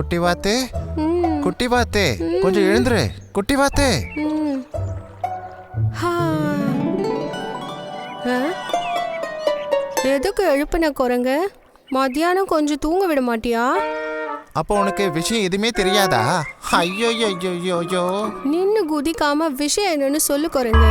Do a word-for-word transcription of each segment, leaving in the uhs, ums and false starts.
குட்டி வாத்து, குட்டி வாத்து, கொஞ்சம் எழுந்துரு குட்டி வாத்து. எதுக்கு எழுப்பின குரங்க? மத்தியானம் கொஞ்சம் தூங்க விட மாட்டியா? அப்போ உனக்கு விஷயம் எதுவுமே தெரியாதா? ஐயோ ஐயோ ஐயோ, நின்னு குதிக்காம விஷயம் என்னன்னு சொல்லு குரங்க.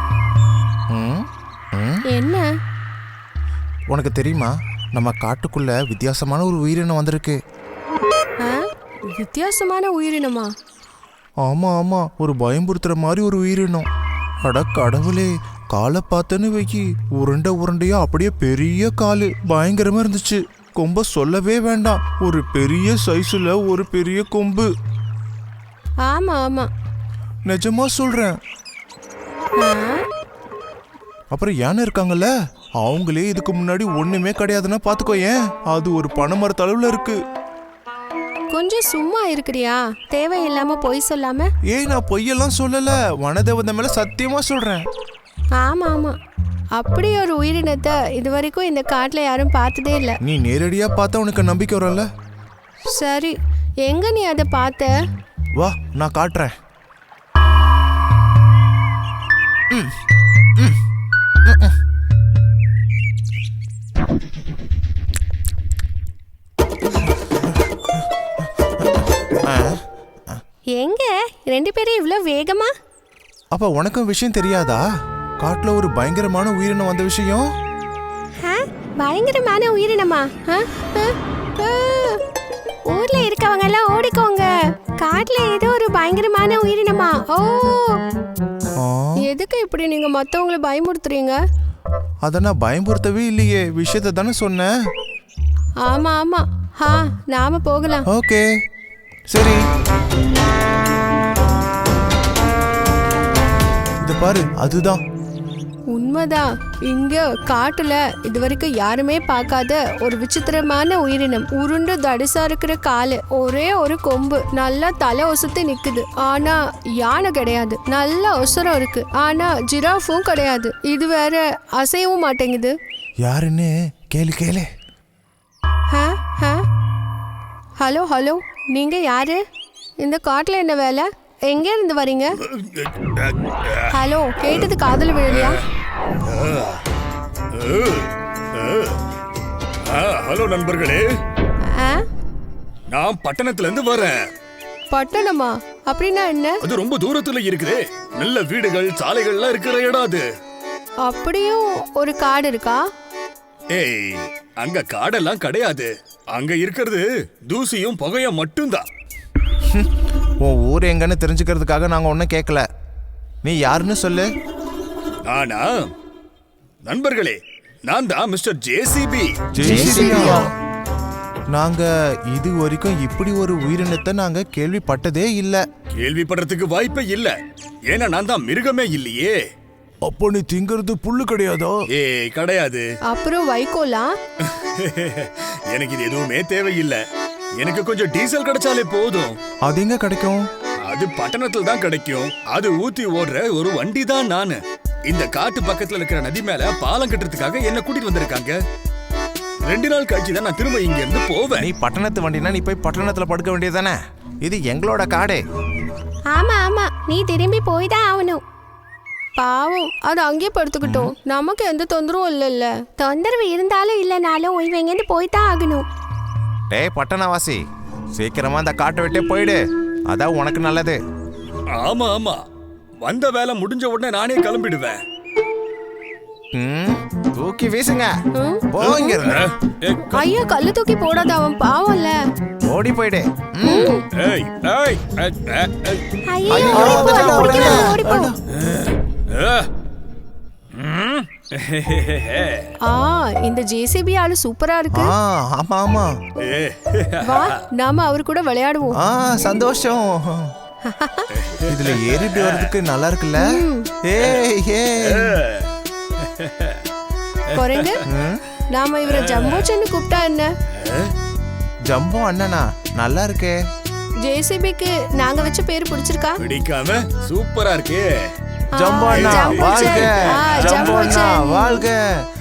என்ன உனக்கு தெரியுமா, நம்ம காட்டுக்குள்ள வித்தியாசமான ஒரு உயிரினம் வந்திருக்கு. வித்தியாசமான உயிரினமா? ஆமா ஆமா, ஒரு பயம்புறுத்துற மாதிரி ஒரு உயிரினம். அட கடவுளே, காலை பார்த்தேன்னு வைக்கி, உருண்டை உருண்டையா அப்படியே பெரிய காலு, பயங்கரமா இருந்துச்சு. கொம்ப சொல்லவே வேண்டாம், ஒரு பெரிய சைஸ்ல ஒரு பெரிய கொம்பு. ஆமா ஆமா, நிஜமா சொல்றேன். அப்புறம் யானை இருக்காங்கல்ல, அவங்களே இதுக்கு முன்னாடி ஒண்ணுமே கிடையாதுன்னா பாத்துக்கோ. ஏன், அது ஒரு பனைமரத்து அளவுல இருக்கு. கொஞ்சம் சும்மா இருக்கிறியா? தேவையில்லாம பொய் சொல்லாம. ஏய், நான் பொய்யெல்லாம் சொல்லல, வனதேவதை மேல சத்தியமா சொல்றேன். ஆமா ஆமா, அப்படி ஒரு உயிரினத்தை இது வரைக்கும் இந்த காட்டுல யாரும் பார்த்ததே இல்ல. நீ நேரடியா பார்த்தா உனக்கு நம்பிக்கை வரும்ல. சரி, எங்க நீ அதை பார்த்த? வா, நான் காட்டுறேன். ம், ம், ம். எங்க ரெண்டு பேரும் இவ்வளவு வேகமா? அப்ப உனக்கும் விஷயம் தெரியாதா? காட்டுல ஒரு பயங்கரமான உயிரினம் வந்த விஷயம். பயங்கரமான உயிரினமா? ஊர்ல இருக்கவங்க எல்லாம் ஓடிக்கோங்க, காட்டுல ஏதோ ஒரு பயங்கரமான உயிரினமா. ஓ, எதுக்கு இப்படி நீங்க மத்தவங்களை பயமுறுத்துறீங்க? அத நான் பயமுறுத்தவே இல்லையே, விஷயத்தை தானே சொன்னேன். ஆமா ஆமா, ஹா, நாம போகலாம். ஓகே சரி. இது பாரு, அதுதான் உண்மைதான். இங்க காட்டுல இது வரைக்கும் யாருமே பார்க்காத ஒரு விசித்திரமான உயிரினம். உருண்டு தடிசா இருக்கிற காலு, ஒரே ஒரு கொம்பு, நல்லா தலை ஒசத்து நிக்குது. ஆனா யானை கிடையாது, நல்ல ஒசரம் இருக்கு. ஆனா ஜிராஃபும் கிடையாது. இது வேற அசையவும் மாட்டேங்குது. யாருன்னு கேளு கேளு. ஹலோ ஹலோ, நீங்க யாரு? இந்த காட்டுல என்ன வேலை? எங்க இருந்து வரீங்க? ஹலோ, கேட்டது காதல் விழலையா? ஹலோ நண்பர்களே, நான் பட்டணத்துல இருந்து வரேன். பட்டணமா? அப்படின்னா என்ன? அது ரொம்ப தூரத்துல இருக்குது. நல்ல வீடுகள் சாலைகள்லாம் இருக்கிற இடம் அது. அப்படியும் ஒரு காடு இருக்கா? ஏய், அங்க காடெல்லாம் கிடையாது. அங்க இருக்கிறது தூசியும் புகையும் மட்டும்தான். உன் ஊர் எங்கன்னு தெரிஞ்சுக்கிறதுக்காக நாங்க ஒன்னும் கேட்கல. நீ யாருன்னு சொல்லு. நானா? நண்பர்களே, நான் தான் மிஸ்டர் ஜேசிபி. நாங்க இது வரைக்கும் இப்படி ஒரு உயிரினத்தை நாங்க கேள்விப்பட்டதே இல்ல. கேள்விப்படுறதுக்கு வாய்ப்பே இல்ல, ஏன்னா நான் தான் மிருகமே இல்லையே. அப்போ நீ திங்கிறது புல்லு கிடையாதோ? ஏய், கிடையாது. அப்புறம் வைக்கோலா? எனக்கு இது எதுவுமே தேவையில்லை. எனக்கு கொஞ்சம் டீசல் கிடைச்சாலே போதும். அது எங்க கிடைக்கும்? அது பட்டணத்துல தான் கிடைக்கும். அது ஊத்தி ஓடுற ஒரு வண்டி தான் நானு. இந்த காட்டு பக்கத்துல இருக்கிற நதி மேல பாலம் கட்டுறதுக்காக என்ன கூட்டிட்டு வந்திருக்காங்க. ரெண்டு நாள் கழிச்சு தான் நான் திரும்ப இங்க இருந்து போவேன். நீ பட்டணத்து வண்டினா நீ போய் பட்டணத்துல படுக்க வேண்டியதானே? இது எங்களோட காடு. ஆமா ஆமா, நீ திரும்பி போய் தான் ஆகணும். பாவம், அது அங்கேயே படுத்துக்கிட்டோம். நமக்கு எந்த தொந்தரவும் இல்லைல்ல. தொந்தரவு இருந்தாலும் இல்லைனாலும் இவங்க போய்தான் ஆகணும். டேய் பட்டணவாசி, சீக்கிரமா அந்த காட்டை விட்டே போயிடு, அதான் உனக்கு நல்லது. ஆமா ஆமா, வந்த வேலை முடிஞ்ச உடனே நானே கிளம்பிடுவேன். தூக்கி வீசுங்க, போங்க. ஐயா, கல்லு தூக்கி போடாத, அவன் பாவம்ல. ஓடி போயிடு. இந்த ஜேசிபி ஆளு சூப்பரா இருக்கு. ஆமா ஆமா, வா நாம அவரு கூட விளையாடுவோம். சந்தோஷம். இதுல ஏறிட்டு வர்றதுக்கு நல்லா இருக்குல்ல? ஏய் ஏய் குரங்கு, நாம இவரை ஜம்போச்சன்னு கூப்பிட்டா என்ன? ஜம்போ அண்ணனா? நல்லா இருக்கே. ஜேசிபிக்கு நாங்க வச்ச பேர் பிடிச்சிருக்கா? பிடிக்காம சூப்பரா இருக்கே. ஜம்போ அண்ணா வாழ்க, ஜம்போ அண்ணா வாழ்க.